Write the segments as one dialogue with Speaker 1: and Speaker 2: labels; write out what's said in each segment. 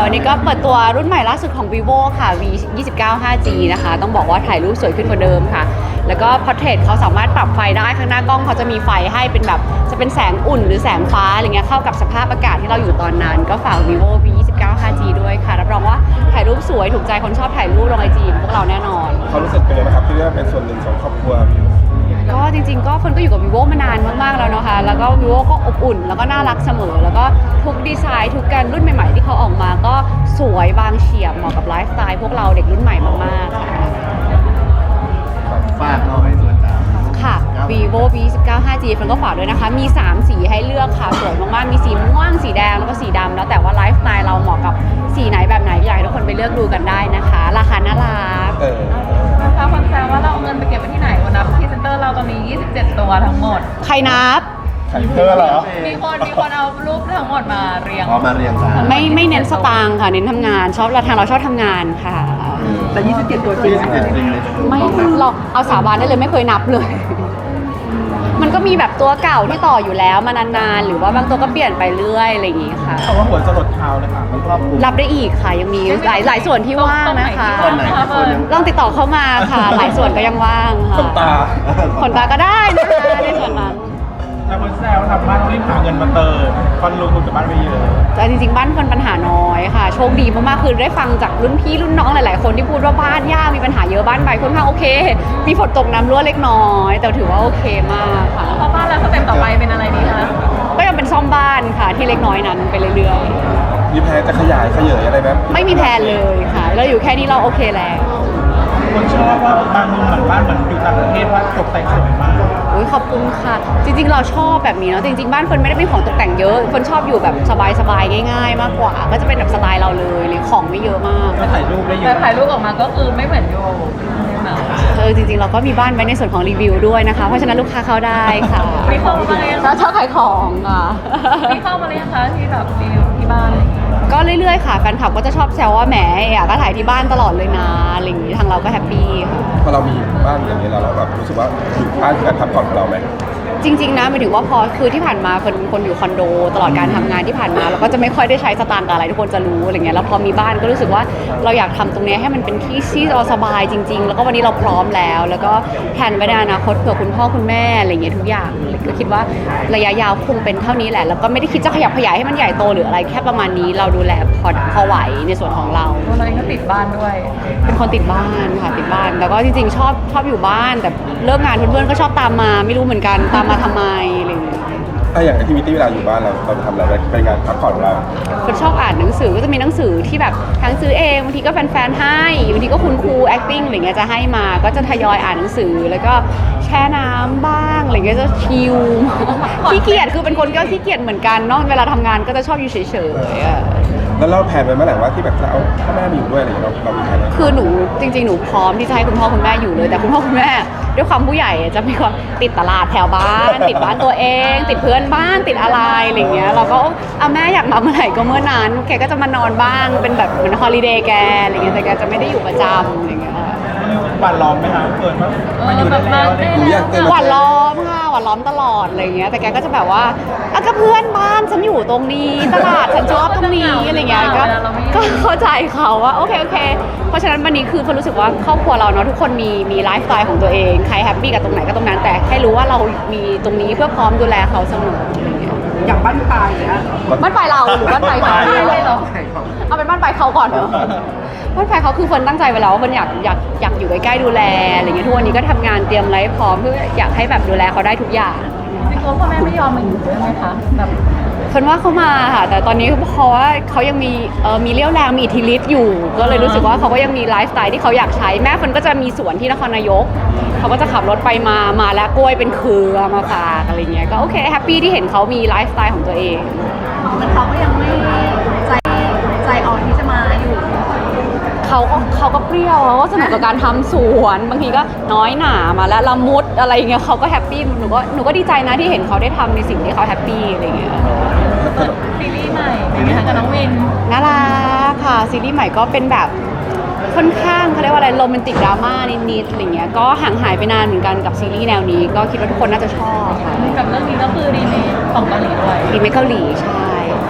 Speaker 1: วันนี้ก็เปิดตัวรุ่นใหม่ล่าสุดของ vivo ค่ะ v 29 5G นะคะต้องบอกว่าถ่ายรูปสวยขึ้นกว่าเดิมค่ะแล้วก็ portrait เขาสามารถปรับไฟได้ข้างหน้ากล้องเขาจะมีไฟให้เป็นแบบจะเป็นแสงอุ่นหรือแสงฟ้าอะไรเงี้ยเข้ากับสภาพอากาศที่เราอยู่ตอนนั้นก็ฝาก vivo v 29 5G ด้วยค่ะรับรองว่าถ่ายรูปสวยถูกใจคนชอบถ่ายรูปลง IG พวกเราแน่นอน
Speaker 2: เขารู้สึกเป็นไงบ้างครับที่ได้เป็นส่วนหนึ่งของครอบครัว
Speaker 1: ก็จริงๆก็คนก็อยู่กับ vivo มานานมากๆแล้วนะคะแล้วก็ vivo ก็อบอุ่นแล้วก็น่ารักเสมอแล้วก็ทุกดีไซน์ทุกการรุ่นใหม่ๆที่เขาออกมาก็สวยบางเฉียบเหมาะกับไลฟ์สไตล์พวกเราเด็กรุ่นใหม่มากๆค่ะ
Speaker 3: ฝากหน่อยส่วนจ้า
Speaker 1: ค่ะ vivo v 29 5G ฟันก็ฝากด้วยนะคะมี3สีให้เลือกค่ะสวยมากๆมีสีม่วงสีแดงแล้วก็สีดำแล้วแต่ว่าไลฟ์สไตล์เราเหมาะกับสีไหนแบบไหนอยากให้ทุกคนไปเลือกดูกันได้นะคะราคาน่ารัก
Speaker 4: นะคะคนแซวว่าเราเอาเงินไปเก็บไว้ที่ไหนวันนับพรีเซนเตอร์เราตอนนี้27ตัวทั้งหมด
Speaker 1: ใครนับ
Speaker 2: ไข่เธอเหรอ
Speaker 4: มีคนเอารูปทั้งหมดมาเรียง
Speaker 3: มาเรียงจ้า
Speaker 1: ไม่เน้นสตางค์ค่ะเน้นทำงานชอบเราชอบทำงานค่ะ
Speaker 3: แต่27ตัวจริง
Speaker 1: ไม่เราเอาสาบานได้เลยไม่เคยนับเลยมันก็มีแบบตัวเก่าที่ต่ออยู่แล้วมานานๆหรือว่าบางตัวก็เปลี่ยนไปเรื่อยอะไรอย่างงี้ค่ะ
Speaker 2: เขาว่าหัวจะหลดเท้าเลยค่ะมันครอบคลุม
Speaker 1: รับได้อีกค่ะยังมีหลายส่วนที่ว่างนะคะลองติดต่อเข้ามาค่ะหลายส่วนก็ยังว่างค่ะขนตาก็ได้นะคะในส่วนนั้น
Speaker 2: แต่คนแซวทำบ้านรีบหาเงินมาเติมคนลงทุนกับบ้านไปเยอะ
Speaker 1: แต่จริงๆบ้านคนปัญหาน้อยค่ะโชคดีมากๆคือได้ฟังจากรุ่นพี่รุ่นน้องหลายๆคนที่พูดว่าบ้านยากมีปัญหาเยอะบ้านใบค่อนข้างโอเคมีฝนตกน้ำรั่วเล็กน้อยแต่ถือว่าโอเคมากค่ะ
Speaker 4: พอบ้านแล้วสเต็ปต่อไปเป็นอะไรดีคะ
Speaker 1: ก็ยังเป็นซ่อมบ้านค่ะที่เล็กน้อยนั้นไปเรื่อย
Speaker 2: ๆมีแพลนจะขยายอะไรไหม
Speaker 1: ไม่มีแพลนเลยค่ะเราอยู่แค่นี้เราโอเคแล้ว
Speaker 2: คนชอบว่าบางมุมเหมือนบ้านเหมือนอยู่ต่างประเทศว่าตกแต่งสวยมาก
Speaker 1: อุ้ยขอบคุณค่ะจริงๆเราชอบแบบนี้เนาะจริงๆบ้านคนไม่ได้เป็นของตกแต่งเยอะคนชอบอยู่แบบสบายๆง่ายๆมากกว่าก็จะเป็นแบบสไตล์เราเลยหรือของไม่เยอะมาก
Speaker 2: ก็ถ่ายรูปได้เยอะ
Speaker 4: แต่ถ่ายรูปออกมาก็คือไม่เหมือนโย
Speaker 1: จริงๆเราก็มีบ้านไว้ในส่วนของรีวิวด้วยนะคะเพราะฉะนั้นลูกค้าเข้าได้ค่ะ
Speaker 4: มีเข้ามาเลย
Speaker 1: เราชอบขายของอ่ะ
Speaker 4: มีเข้ามาเลยคะที่แบบรีวิวที่บ้านอะไรอย่างเงี้ย
Speaker 1: ก็เรื่อยๆค่ะแฟนคลับก็จะชอบแซวว่าแหมก็ถ่ายที่บ้านตลอดเลยนะอะไรอย่างนี้ทางเราก็แฮปปี้ค่ะ
Speaker 2: พอเรามีบ้านอย่างนี้แล้วเราแบบรู้สึกว่าบ้านคือการพักผ่อนของเราไหม
Speaker 1: จริงๆนะหมายถึงว่าพอคือที่ผ่านมาคนอยู่คอนโดตลอดการทำงานที่ผ่านมาเราก็จะไม่ค่อยได้ใช้สตางค์กับอะไรทุกคนจะรู้อะไรเงี้ยแล้วพอมีบ้านก็รู้สึกว่าเราอยากทำตรงนี้ให้มันเป็นที่เราสบายจริงๆแล้วก็วันนี้เราพร้อมแล้วก็แผนไว้ในอนาคตเผื่อคุณพ่อคุณแม่อะไรเงี้ยทุกอย่างก็คิดว่าระยะยาวคงเป็นเท่านี้แหละแล้วก็ไม่ได้คิดจะขยับขยายให้มันใหญ่โตหรืออะไรแค่ประมาณนี้เราดูแลพอไหวในส่วนของเรา
Speaker 4: ตัวเราเองก็ติดบ้านด้วย
Speaker 1: เป็นคนติดบ้านค่ะติดบ้านแล้วก็จริงๆชอบอยู่บ้านแต่เลิกงานเพื่อนๆก็ชอบตามมาไม่รู้เหมือนกันตามมาทำไมอะไรอย่างเงี้ย
Speaker 2: อย่างแอคทิวิตี้เวลาอยู่บ้านเราทำอะไรเป็นงานพักผ่อนเรา
Speaker 1: คนชอบอ่านหนังสือก็จะมีหนังสือที่แบบทั้งซื้อเองบางทีก็แฟนๆให้บางทีก็คุณครู acting อะไรเงี้ยจะให้มาก็จะทยอยอ่านหนังสือแล้วก็แช่น้ำบ้างอะไรเงี้ยจะชิลขี้เกียจคือเป็นคนก็ขี้เกียจเหมือนกันเนาะเวลาทำงานก็จะชอบอยู่เฉยๆ
Speaker 2: แล้วเราแผนไว้เมื่อไหร่ว่าที่แบบจะเอาพ่อแม่มาอยู่ด้วยอะไรอย่างเงี้ยเรามีแผนไหม
Speaker 1: คือหนูจริงๆหนูพร้อมที่จะให้คุณพ่อคุณแม่อยู่เลยแต่คุณพ่อคุณแม่ด้วยความผู้ใหญ่จะมีความติดตลาดแถวบ้านติดบ้านตัวเองติดเพื่อนบ้านติดอะไรอะไรเงี้ยเราก็เอาแม่อยากมาเมื่อไหร่ก็เมื่อนั้นแกก็จะมานอนบ้างเป็นแบบเหมือนฮอลิเดย์แกอะไรเงี้ยแต่แกจะไม่ได้อยู่ประจำอะไรเงี้ย
Speaker 2: หวานล้อมไหมคะเปิดมาอยู่ได้แล้ว
Speaker 1: หวานล้อมค่ะหวานล้อมตลอดอะไรเงี้ยแต่แกก็จะแบบว่าก็เพื่อนบ้านฉันอยู่ตรงนี้ตลาดฉันชอบตรงนี้อะไรเงี้ยก็เข้าใจเขาว่าโอเคเพราะฉะนั้นวันนี้คือคนรู้สึกว่าครอบครัวเราเนาะทุกคนมีไลฟ์สไตล์ของตัวเองใครแฮปปี้กับตรงไหนก็ตรงนั้นแต่ให้รู้ว่าเรามีตรงนี้เพื่อพร้อมดูแลเขาเสมออะไรเงี้ย
Speaker 4: อย่างบ้านปลายเนี่ย
Speaker 1: บ้านปลายเราหรือบ้านปลายเขาเอาเป็นบ้านปลายเขาก่อนเนาะบ้านปลายเขาคือคนตั้งใจไว้แล้วว่ามันอยากอยู่ใกล้ๆดูแลอะไรเงี้ยทุกวันนี้ก็ทำงานเตรียมไลฟ์พร้อมเพื่ออยากให้แบบดูแลเขาได้ทุกอย่าง
Speaker 4: จริงๆพ่อแม่ไม่ยอมมาอยู่ด้วยไหมคะแบบ
Speaker 1: คนว่าเขามาค่ะแต่ตอนนี้เพราะว่าเขายังมีเรี่ยวแรงมีอิทธิฤทธิ์อยู่ก็เลยรู้สึกว่าเขาก็ยังมีไลฟ์สไตล์ที่เขาอยากใช้แม่คนก็จะมีสวนที่นครนายกเขาก็จะขับรถไปมาแล้วกล้วยเป็นเครือมาฝากอะไรเงี้ยก็โอเคแฮปปี้ที่เห็นเขามีไลฟ์สไตล์ของตัวเอง
Speaker 4: มันเขาก็ยังไม่ใจอ่อนที่จะมาอยู่
Speaker 1: เขาก็เปรี้ยวเขาก็สนุกกับการทำสวนบางทีก็น้อยหนามาแล้วละมุดอะไรเงี้ยเขาก็แฮปปี้หนูก็ดีใจนะที่เห็นเขาได้ทำในสิ่งที่เขาแฮปปี้อะไรเงี้ย
Speaker 4: ซีรีส์ใหม่เป็นไงคะกับน้องวิน
Speaker 1: น่ารักค่ะซีรีส์ใหม่ก็เป็นแบบค่อนข้างเขาเรียกว่าอะไรโรแมนติกดราม่านิดๆอะไรเงี้ยก็ห่างหายไปนานเหมือนกันกับซีรีส์แนวนี้ก็คิดว่าทุกคนน่าจะชอบค่ะ
Speaker 4: กับเรื่องนี้ก็คือรีเมคของเกาหลีด้วย
Speaker 1: รีเมคเกาหลีใช่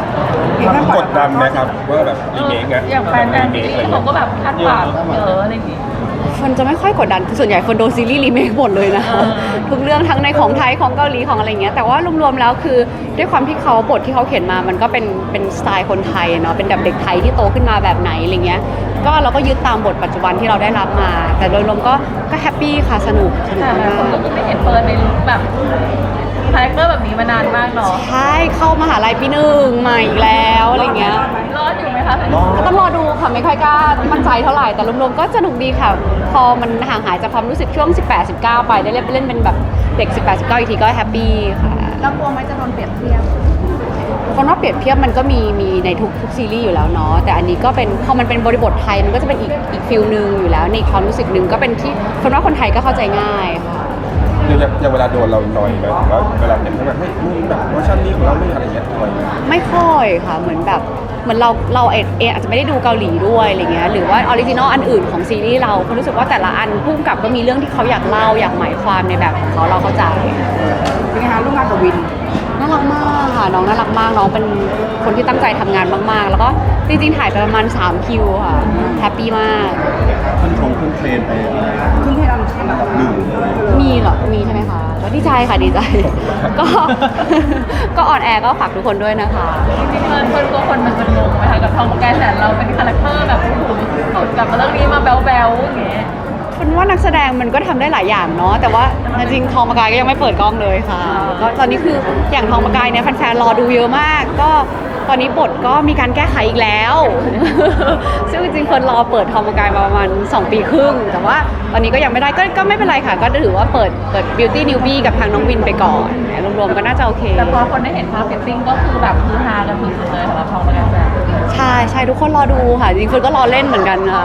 Speaker 5: กดดันไหมครับว่าแบบรีเมคไง
Speaker 4: อย่างแฟนซีรีส์เขาก็แบบคาดหวังเยอะอะไรอย่างงี้
Speaker 1: คนจะไม่ค่อยกดดันคือส่วนใหญ่คนโดนซีรีส์รีเมคหมดเลยนะทุกเรื่องทั้งในของไทยของเกาหลีของอะไรเงี้ยแต่ว่ารวมๆแล้วคือด้วยความที่เขาบทที่เขาเขียนมามันก็เป็นสไตล์คนไทยเนาะเป็นแบบเด็กไทยที่โตขึ้นมาแบบไหนอะไรเงี้ยก็เราก็ยึดตามบทปัจจุบันที่เราได้รับมา แต่โดยรวมก็แฮปปี้ค่ะสนุก
Speaker 4: แต่หลาย
Speaker 1: มา
Speaker 4: คนก็
Speaker 1: ก
Speaker 4: คือไม่เห็นเฟิร์นในลุคแบบคาแรคเตอร์แบบนี้มานานมากเนาะ
Speaker 1: ใช่เข้ามหาลัยปีหนึ่งมาอีกแล้วอะไรเงี้ย
Speaker 4: รอดอยู่ไหมคะ
Speaker 1: ก็ต้องรอดูค่ะไม่ค่อยกล้ามั่นใจเท่าไหร่แต่รวมๆก็สนุกดีค่ะ พอมันห่างหายจากความรู้สึกช่วง 18-19 ไปได้เล่นเป็นแบบเด็ก 18-19 อีกทีก็แฮปปี้ค่ะ
Speaker 6: แล้วกลัวไหมจะโดนเปรียบเทียบ
Speaker 1: คนว่าเปรียบเทียบมันก็มีในทุกซีรีส์อยู่แล้วเนาะแต่อันนี้ก็เป็นพอมันเป็นบริบทไทยมันก็จะเป็นอีกฟิลนึงอยู่แล้วในความรู้สึกนึงก็เป็นที่คนว่าคนไทยก็เข้าใจง่ายค่ะ
Speaker 5: อย่างเวลาโดนเราหน่อยไหมหรือว่าเวลาเห็นแบบเฮ้ยมึงแบบเวอร์ชันนี้ของเราไม่อะไรเงี้ยหน่อยไหม
Speaker 1: ไม่ค่อยค่ะเหมือนเราเองอาจจะไม่ได้ดูเกาหลีด้วยอะไรเงี้ยหรือว่าออริจินอลอันอื่นของซีรีส์เรารู้สึกว่าแต่ละอันพุ่งกับก็มีเรื่องที่เขาอยากเล่าอยากหมายความในแบบของเขาเราเข้าใจ
Speaker 6: เป็นไงคะร่วมงานกับวิน
Speaker 1: น่ารักมากค่ะน้องน่ารักมากน้องเป็นคนที่ตั้งใจทำงานมากๆ แล้วก็จริงๆถ่ายไปประมาณ3คิวค่ะแฮปปี้มาก
Speaker 3: ขึ้นเทรนไปอะไร
Speaker 6: ขึ้นเทรนด์อันดับ
Speaker 3: หนึ่ง
Speaker 1: มีเหรอมีใช่ไหมคะก็ดีใจค่ะดีใจ ก็ ก็ออนแอร์ก็ฝากทุกคนด้วยนะคะ
Speaker 4: จริงๆเฟิร์นกลัวคนมันจะงงไหมคะกับทองประกายแสนเราเป็นคาแรคเตอร์แบบโอ้โหสุดกับเรื่องนี้มาแบ๊วๆอย่างเงี้ย
Speaker 1: เป็นว่านักแสดงมันก็ทำได้หลายอย่างเนาะแต่ว่าจริงๆทองประกายก็ยังไม่เปิดกล้องเลยค่ะก็ตอนนี้คืออย่างทองประกายเนี่ยแฟนๆรอดูเยอะมาก ก็ตอนนี้บทก็มีการแก้ไขอีกแล้ว ซึ่งจริงๆคนรอเปิดทองประกายมาประมาณ2 ปีครึ่งแต่ว่าตอนนี้ก็ยังไม่ได้ก็ไม่เป็นไรค่ะ ก็ถือว่าเปิด Beauty Newbie กับทางน้องวินไปก่อนรวมๆก็น่าจะโอเค
Speaker 4: แต่พอคนได้เห็นภาพฟิตติ้งก็คือแบบคือฮากันสุดๆเลยสำหรับทองประกายแสน
Speaker 1: ใช่ใช่ทุกคนรอดูค่ะ จริงๆคนก็รอเล่นเหมือนกันค่ะ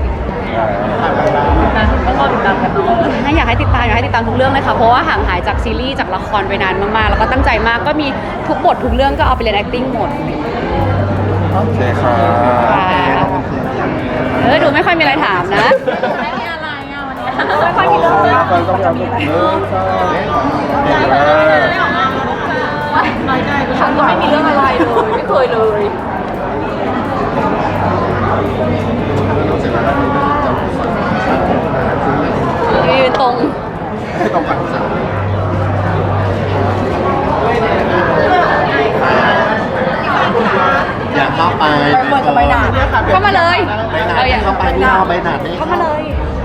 Speaker 4: นะก็รอติดตามกันเนาะ
Speaker 1: อยากให้ติดตามทุกเรื่องเลยค่ะเพราะว่าห่างหายจากซีรีส์จากละครไปนานมากๆ แล้วก็ตั้งใจมากก็มีทุกบททุกเรื่องก็เอาไปเรียน acting หมด
Speaker 5: โอเคค่ะ
Speaker 1: ดูไม่ค่อยมีอะไรถามนะ
Speaker 4: ไม่มีอะไรอ่ะวันนี้
Speaker 1: ไม่ค่อยมีเรื่อง
Speaker 5: ฟันต้องยาวลูกเนื้อค่ะ
Speaker 1: ฉันก็ไม่มีเรื่องอะไรเลยไม่เคยเลยยืนตรง
Speaker 3: ให้ต้องปัดสามอยากเข้าไป
Speaker 6: เปิดกับใบหนาด
Speaker 1: เข้ามาเลย
Speaker 3: ใบหนาดเข้าไปนี่เอาใบหนาดนี่
Speaker 1: เข้ามาเลย